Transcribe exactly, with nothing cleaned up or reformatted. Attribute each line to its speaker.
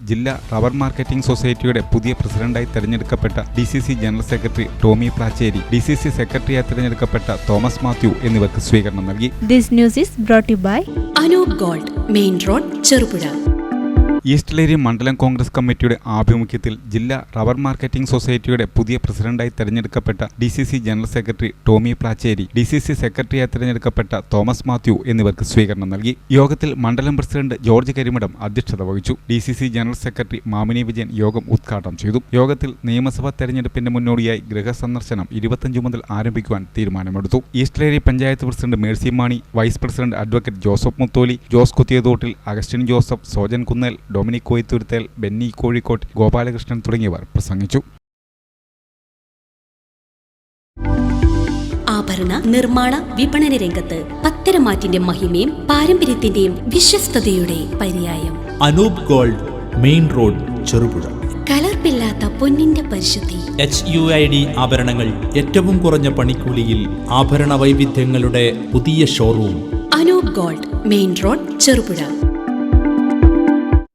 Speaker 1: ജില്ലാ rubber marketing സൊസൈറ്റിയുടെ പുതിയ പ്രസിഡന്റായി തെരഞ്ഞെടുക്കപ്പെട്ട D C C general secretary Tomy Placheri, D C C സെക്രട്ടറിയായി തെരഞ്ഞെടുക്കപ്പെട്ട തോമസ് മാത്യു എന്നിവർക്ക് സ്വീകരണം നൽകി.
Speaker 2: This news is brought you by
Speaker 3: Anoop gold, main road, Cherupuzha.
Speaker 1: Eastleri മണ്ഡലം കോൺഗ്രസ് കമ്മിറ്റിയുടെ ആഭിമുഖ്യത്തിൽ ജില്ലാ റബ്ബർ മാർക്കറ്റിംഗ് സൊസൈറ്റിയുടെ പുതിയ പ്രസിഡന്റായി തെരഞ്ഞെടുക്കപ്പെട്ട D C C general secretary Tomy Placheri, D C C സെക്രട്ടറിയായി തെരഞ്ഞെടുക്കപ്പെട്ട തോമസ് മാത്യു എന്നിവർക്ക് സ്വീകരണം നൽകി. യോഗത്തിൽ മണ്ഡലം പ്രസിഡന്റ് ജോർജ് കരിമഠം അധ്യക്ഷത വഹിച്ചു. D C C general secretary Mamini Vijayan യോഗം ഉദ്ഘാടനം ചെയ്തു. യോഗത്തിൽ നിയമസഭാ തെരഞ്ഞെടുപ്പിന്റെ മുന്നോടിയായി ഗൃഹസന്ദർശനം ഇരുപത്തിയഞ്ച് മുതൽ ആരംഭിക്കുവാൻ തീരുമാനമെടുത്തു. Eastleri panchayat president Mercy Mani, vice president advocate Joseph Mutholi, Jose Kuthiyathottil, Augustine Joseph, Sojan Kunnel, Dominic Koyithuruthel, Benny Kozhikottu, Gopalakrishnan തുടങ്ങിയവർ പ്രസംഗിച്ചു.
Speaker 3: ആഭരണ നിർമ്മാണ വിപണന രംഗത്ത് പത്തരമാറ്റിന്റെ മഹിമയും പാരമ്പര്യത്തിന്റെയും വിശ്വസ്തയുടെ പര്യായം
Speaker 4: Anoop gold, main road, Cherupuzha.
Speaker 3: കലർപ്പില്ലാത്ത പൊന്നിന്റെ പരിശുദ്ധി.
Speaker 4: എച്ച് യു ഐ ഡി ആഭരണങ്ങൾ ഏറ്റവും കുറഞ്ഞ പണിക്കൂലിയിൽ ആഭരണ വൈവിധ്യങ്ങളുടെ പുതിയ showroom.
Speaker 3: Anoop gold, main road, Cherupuzha.